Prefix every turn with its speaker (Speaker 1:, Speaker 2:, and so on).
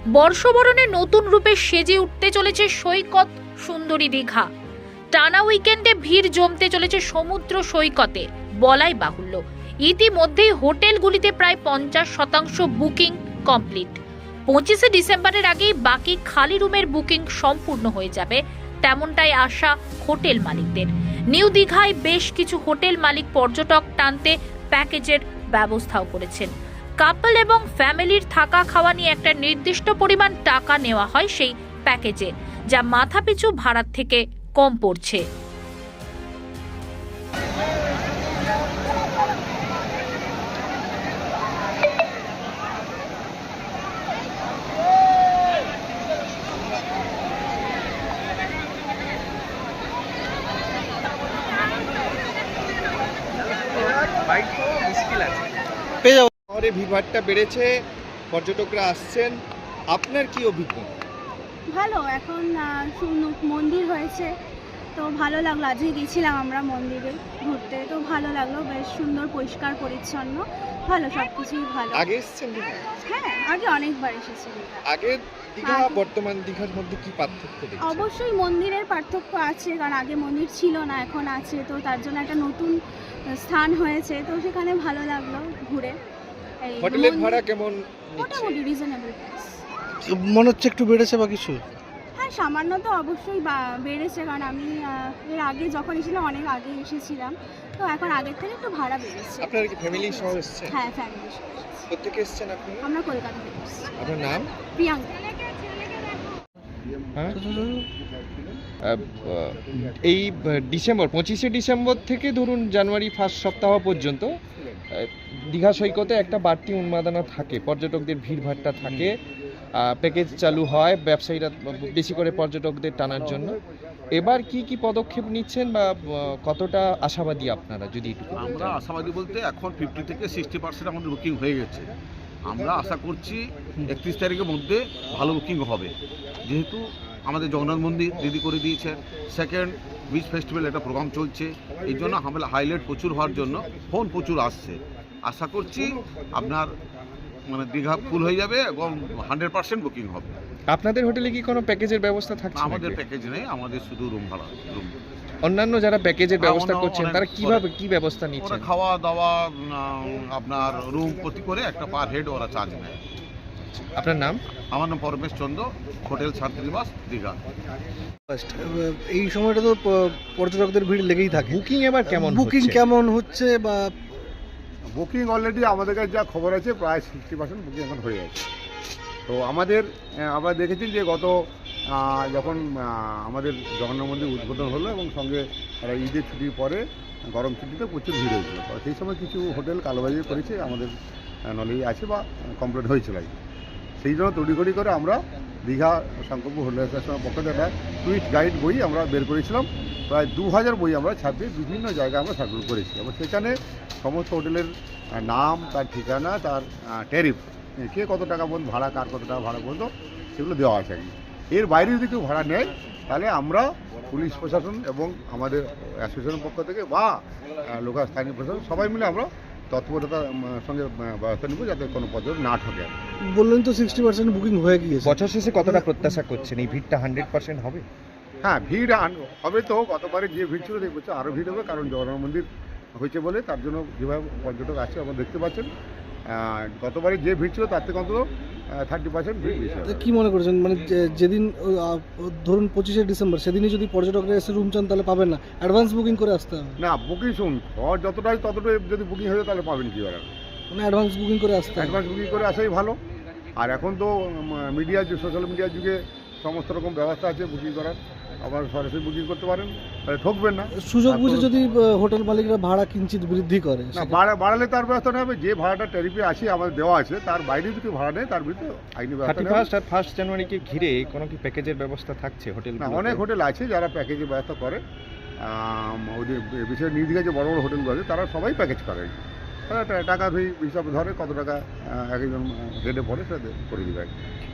Speaker 1: বর্ষবরণে নতুন রূপে সেজে উঠতে চলেছে সৈকত সুন্দরী দীঘা। টানা উইকেন্ডে ভিড় জমতে চলেছে সমুদ্র সৈকতে বলাই বাহুল্য। ইতিমধ্যেই হোটেলগুলিতে প্রায় 50% বুকিং কমপ্লিট। 25শে ডিসেম্বরের আগেই বাকি খালি রুমের বুকিং সম্পূর্ণ হয়ে যাবে, তেমনটাই আশা হোটেল মালিকদের। নিউ দীঘায় বেশ কিছু হোটেল মালিক পর্যটক টানতে প্যাকেজের ব্যবস্থাও করেছেন। কাপল এবং ফ্যামিলির থাকা খাওয়া নিয়ে একটা নির্দিষ্ট পরিমাণ টাকা নেওয়া হয় সেই প্যাকেজে, যা মাথাপিছু ভাড়ার থেকে কম পড়ছে।
Speaker 2: শহরে ভিড়ভাট্টা বেড়েছে, পর্যটকরা আসছেন, আপনার কি অভিজ্ঞতা?
Speaker 3: ভালো, এখন মন্দির হয়েছে তো ভালো লাগলো। আজকে গেছিলাম আমরা মন্দিরে ঘুরতে, তো ভালো লাগলো, বেশ সুন্দর, পরিষ্কার পরিচ্ছন্ন, ভালো, সব কিছুই ভালো।
Speaker 2: আগে এসেছেন দীঘা?
Speaker 3: হ্যাঁ, আগে অনেকবার এসেছি।
Speaker 2: আগের দীঘা বর্তমান দীঘার মধ্যে কি পার্থক্য দেখছেন?
Speaker 3: অবশ্যই মন্দিরের পার্থক্য আছে, কারণ আগে মন্দির ছিল না, এখন আছে, তো তার জন্য একটা নতুন স্থান হয়েছে, তো সেখানে ভালো লাগলো ঘুরে।
Speaker 2: হোটেলের ভাড়া কেমন?
Speaker 3: মোটামুটি রিজনেবল প্রাইস।
Speaker 4: মনে হচ্ছে একটু বেড়েছে বা কিছু?
Speaker 3: হ্যাঁ, সামান্য তো অবশ্যই বেড়েছে, কারণ আমি এর আগে যখন এসেছিলাম অনেক আগে এসেছিলাম, তো এখন আগের থেকে একটু ভাড়া বেড়েছে।
Speaker 2: আপনারা কি ফ্যামিলি সহ এসেছেন?
Speaker 3: হ্যাঁ, ফ্যামিলি সহ।
Speaker 2: কোথেকে এসেছেন আপনি?
Speaker 3: আমরা কলকাতা থেকে এসেছি।
Speaker 2: আপনার নাম?
Speaker 3: প্রিয়াঙ্কা।
Speaker 2: এই ডিসেম্বর 25শে ডিসেম্বর থেকে ধরুন জানুয়ারি ফার্স্ট সপ্তাহ পর্যন্ত দীঘা সৈকতে একটা বাড়তি উন্মাদনা থাকে, পর্যটকদের ভিড়ভাট্টা থাকে, প্যাকেজ চালু হয় ব্যবসায়ীরা বেশি করে পর্যটকদের টানার জন্য। এবার কি কি পদক্ষেপ নিচ্ছেন বা কতটা আশাবাদী আপনারা, যদি একটু বলতেন?
Speaker 5: আমরা আশাবাদী বলতে এখন 50 থেকে 60% আমাদের বুকিং হয়ে গেছে। আমরা আশা করছি 31 তারিখের মধ্যে ভালো বুকিং হবে, যেহেতু আমাদের জগন্নাথ মন্দির রেডি করে দিয়েছেন, সেকেন্ড বিচ ফেস্টিভ্যাল একটা প্রোগ্রাম চলছে, এই জন্য আমরা হাইলাইট প্রচুর হওয়ার জন্য ফোন প্রচুর আসছে। আশা করছি আপনার দীঘা ফুল হয়ে যাবে এবং 100% বুকিং হবে।
Speaker 2: আপনাদের হোটেলে কি কোনো প্যাকেজের ব্যবস্থা থাকছে?
Speaker 5: আমাদের প্যাকেজ নেই, আমাদের শুধু রুম ভাড়া।
Speaker 2: অন্যান্য যারা প্যাকেজের ব্যবস্থা করছেন তারা কিভাবে কি ব্যবস্থা নিচ্ছেন?
Speaker 5: খাওয়া দাওয়া আপনার রুম প্রতি করে একটা পার হেড ওরা চার্জ নেয়।
Speaker 2: আপনার নাম?
Speaker 5: আমার নাম পরমেশ চন্দ্র, হোটেল শান্তিনিবাস দীঘা।
Speaker 4: এই সময়টা তো পর্যটকদের ভিড় লেগেই থাকে।
Speaker 2: বুকিং এবার কেমন?
Speaker 4: বুকিং কেমন হচ্ছে বা
Speaker 6: বুকিং অলরেডি আমাদের কাছে যা খবর আছে প্রায় 60% বুকিং এখন হয়ে গেছে। তো আমরা দেখেছি যে গত যখন আমাদের জগন্নাথ মন্দির উদ্বোধন হলো এবং সঙ্গে ঈদের ছুটির পরে গরম ছুটিতে প্রচুর ভিড় হয়েছিল, তো সেই সময় কিছু হোটেল কালোবাজি করেছে, আমাদের নলেজে আছে বা কমপ্লেন হয়েছিল। সেই জন্য তড়িঘড়ি করে আমরা দীঘা সংকল্প হোটেল অ্যাসোসিয়েশনের পক্ষ থেকে একটা টুরিস্ট গাইড বই আমরা বের করেছিলাম, প্রায় 2000 বই আমরা ছাপিয়ে বিভিন্ন জায়গায় আমরা সার্কুল করেছি এবং সেখানে সমস্ত হোটেলের নাম, তার ঠিকানা, তার ট্যারিফ, কে কত টাকা পর্যন্ত ভাড়া, কার কত টাকা ভাড়া পর্যন্ত, সেগুলো দেওয়া আছে। এর বাইরে যদি কেউ ভাড়া নেয় তাহলে আমরা পুলিশ প্রশাসন এবং আমাদের অ্যাসোসিয়েশনের পক্ষ থেকে বা লোকাল স্থানীয় প্রশাসন সবাই মিলে আমরা তৎপরতার সঙ্গে ব্যবস্থা নেব যাতে কোনো পর্যটক না ঠকে।
Speaker 4: বললেন তো 60% বুকিং হয়ে গিয়েছে।
Speaker 2: বছর শেষে কতটা প্রত্যাশা করছেন এই ভিড়টা 100% হবে?
Speaker 6: হ্যাঁ, ভিড় হবে তো, গতবারে যে ভিড় ছিল এই বছর আরও ভিড় হবে, কারণ জগন্নাথ মন্দির হয়েছে বলে তার জন্য যেভাবে পর্যটক আছে আপনারা দেখতে পাচ্ছেন। গতবারে যে ভিড় ছিল তার থেকে অন্তত 30% ভিড় বেশি হবে।
Speaker 4: কি মনে করছেন, মানে যেদিন ধরুন 25শে ডিসেম্বর সেদিনই যদি পর্যটকরা এসে রুম চান তাহলে পাবেন না, অ্যাডভান্স বুকিং করে আসতে হবে?
Speaker 6: না, বুকিং শুনুন, ঘর যতটাই ততটাই যদি বুকিং হয়ে যায় তাহলে পাবেন কি আর,
Speaker 4: মানে অ্যাডভান্স বুকিং করে আসতে হবে।
Speaker 6: অ্যাডভান্স বুকিং করে আসাই ভালো। আর এখন তো মিডিয়ার যে সোশ্যাল মিডিয়ার যুগে সমস্ত রকম ব্যবস্থা আছে বুকিং করার, আবার সরাসরি বুকিং করতে পারেন, তাহলে ঠকবেন না।
Speaker 4: সুযোগ বুঝে যদি হোটেল মালিকরা ভাড়া কিঞ্চিত বৃদ্ধি করে,
Speaker 6: না বাড়ালে তার ব্যবস্থা নেওয়া হবে। যে ভাড়াটা ট্যারিফে আছে আমাদের দেওয়া আছে তার বাইরে যদি ভাড়া নেয় তার ভিতরে আইনি ব্যবস্থা নেওয়া হবে।
Speaker 2: 31 আর 1 জানুয়ারিকে ঘিরে কোনো কি প্যাকেজের ব্যবস্থা থাকছে হোটেল?
Speaker 6: না, অনেক হোটেল আছে যারা প্যাকেজের ব্যবস্থা করে। ওদের বিশেষ নিউ দীঘায় যে বড় বড় হোটেলগুলো আছে তারা সবাই প্যাকেজ করে, তারা টাকা হিসাবে ধরে কত টাকা এক একজন রেটে পড়ে সেটা করে দেবে।